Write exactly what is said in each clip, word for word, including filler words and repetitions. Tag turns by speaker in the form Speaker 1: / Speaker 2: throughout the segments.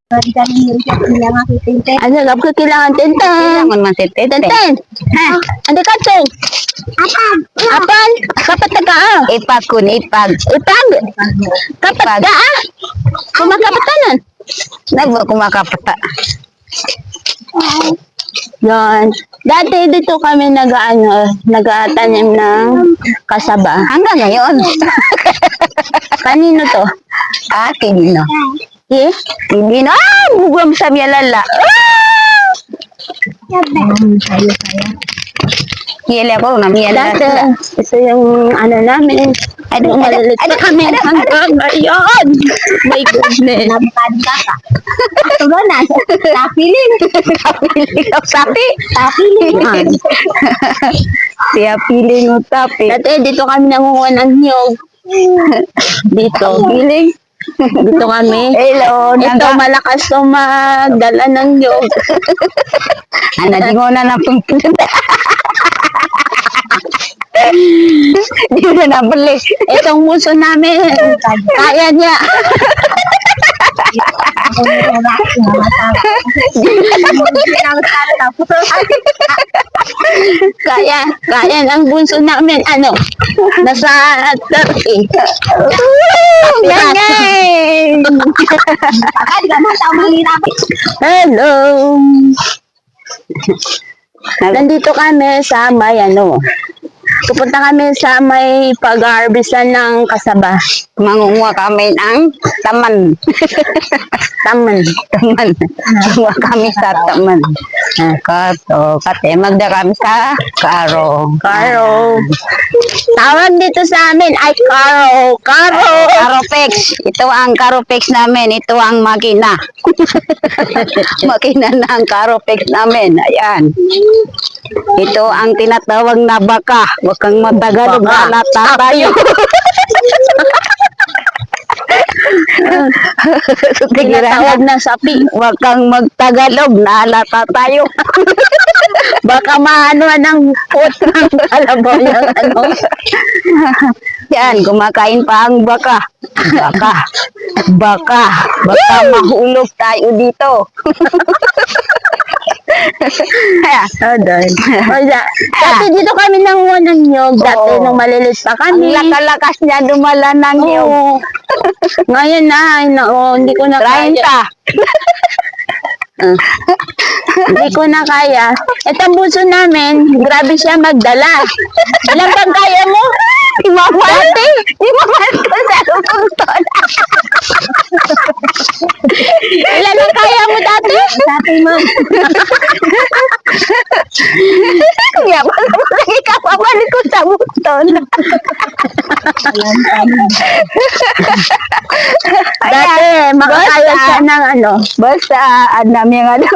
Speaker 1: Ano, lab ko kailangan tenten.
Speaker 2: Kailangan man tenten.
Speaker 1: Tenten. Ha? Andi ka, Cheng? Apan. Apan? Kapat ka ah.
Speaker 2: Ipag kun, ipag.
Speaker 1: Ipag. Kapat ka ah. Kumakapatanan.
Speaker 2: Nagbo kumakapata.
Speaker 1: Yan. Dati dito kami nag-ano, nag-atanim ng kasaba.
Speaker 2: Hanggang ngayon.
Speaker 1: Kanino to?
Speaker 2: Ah, kinino.
Speaker 1: Eh?
Speaker 2: Kinino. Ah, bugam sa miyalala. Ah! Hiyali ako na miyalala.
Speaker 1: Dati, ito yung ano namin. Ano, malilit pa kami hanggang ngayon. My goodness.
Speaker 2: Nampad ka ka.
Speaker 1: Ito ba na? Tapiling.
Speaker 2: Tapiling o sapi.
Speaker 1: Tapiling.
Speaker 2: Siya piling o tapi.
Speaker 1: Dati, dito kami nangunguha ng niyog. Dito.
Speaker 2: Piling.
Speaker 1: Dito kami.
Speaker 2: Hello.
Speaker 1: Ito, malakas to magdala ng niyog.
Speaker 2: Ano, di mo na napunta. Di mo na napuli.
Speaker 1: Itong muso namin, kaya niya. kaya, kaya ng bunso namin, ano, nasa thirty.
Speaker 2: Ganyan!
Speaker 1: Hello! Nandito kami sa may, ano, pupunta kami sa may pag-harvestan ng kasaba.
Speaker 2: Mangunguha kami ng taman.
Speaker 1: Taman.
Speaker 2: Taman. Mangunguha kami sa taman. Kato, kate, magda kami sa karo.
Speaker 1: Karo. Tawag dito sa amin ay karo. Karo.
Speaker 2: Karopex. Ito ang Karopex namin. Ito ang makina. Makina na ang Karopex namin. Ayan. Ito ang tinatawag na baka. Huwag kang matagalog na lata tayo.
Speaker 1: Tinatawag na sapi.
Speaker 2: Huwag kang magtagalog na lata tayo.
Speaker 1: Baka maano ng put ng kalabaw yung ano.
Speaker 2: Yan, kumakain pa ang baka. Baka. Baka. Baka mahulog tayo dito.
Speaker 1: Oh, dahil. Dati dito kami nanguha ng niyog. Dati
Speaker 2: Oo.
Speaker 1: nung malilis pa
Speaker 2: Ang
Speaker 1: kami.
Speaker 2: laka-lakas niya dumala ng iyong
Speaker 1: Oo. Ngayon na, ay, na, oh, hindi ko na kaya.
Speaker 2: treinta.
Speaker 1: Uh, hindi ko na kaya. Itong buso namin, grabe siya magdala. Ilang bang kaya mo?
Speaker 2: Imamal. Imamal ko sa lupungton.
Speaker 1: Ilan ang kaya mo dati? Dati mo.
Speaker 2: Kaya pa naman lagi ka pabalik ko sa bukton.
Speaker 1: Dati, makakaya
Speaker 2: basta-
Speaker 1: siya ng ano.
Speaker 2: Basta, anam yung ano.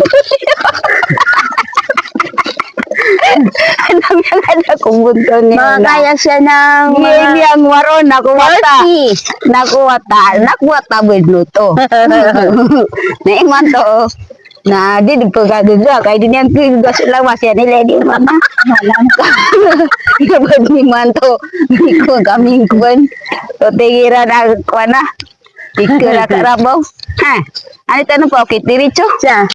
Speaker 2: Anam yung ano kung bukton niya.
Speaker 1: Makakaya siya ng
Speaker 2: Ngayon
Speaker 1: mga
Speaker 2: yung waron, nakuwata.
Speaker 1: forty.
Speaker 2: Nakuwata. Nakuwata bedluto. Naiman to. Na di di pagkagaga kay din yang kigas lawas yan nila di mama malam ka kapag ni manto di ko kaming kuan to tigira na kuana ikira karabaw ha ano tanong po kit diretso
Speaker 1: siya.